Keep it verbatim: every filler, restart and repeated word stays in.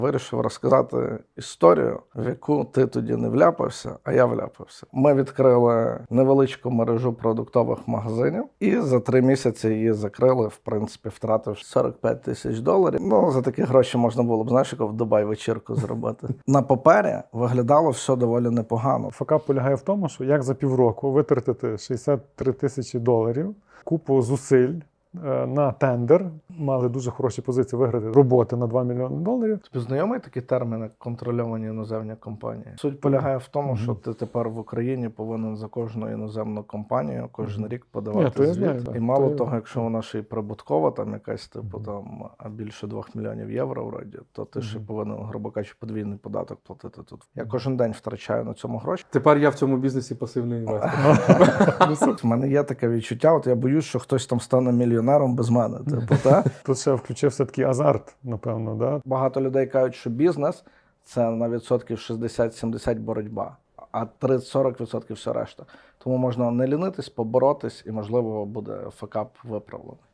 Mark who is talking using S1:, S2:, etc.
S1: Вирішив розказати історію, в яку ти тоді не вляпався, а я вляпався. Ми відкрили невеличку мережу продуктових магазинів і за три місяці її закрили, в принципі, втративши сорок п'ять тисяч доларів. Ну, за такі гроші можна було б, знаєш, як в Дубай вечірку зробити. На папері виглядало все доволі непогано.
S2: Факап полягає в тому, що як за півроку витратити шістдесят три тисячі доларів, купу зусиль на тендер, мали дуже хороші позиції виграти роботи на два мільйони доларів.
S1: Тобі знайомий такий термін, як контрольовані іноземні компанії? Суть полягає в тому, що ти тепер в Україні повинен за кожну іноземну компанію кожен рік подавати
S2: Ні,
S1: звіт.
S2: знаю,
S1: І мало
S2: то
S1: того, якщо вона ще й прибуткова, там якась типу там більше двох мільйонів євро вроді, то ти ще повинен, грубо кажучи, подвійний податок платити тут. Я кожен день втрачаю на цьому гроші.
S3: Тепер я в цьому бізнесі пасивний інвестор.
S1: В мене є таке відчуття, от я боюсь, що хтось там стане мільйонером без мене. Типу, та?
S2: Тут ще включився такий азарт, напевно. Да?
S1: Багато людей кажуть, що бізнес – це на відсотків шістдесят-сімдесят боротьба, а тридцять-сорок відсотків все решта. Тому можна не лінитись, поборотись і, можливо, буде факап виправлений.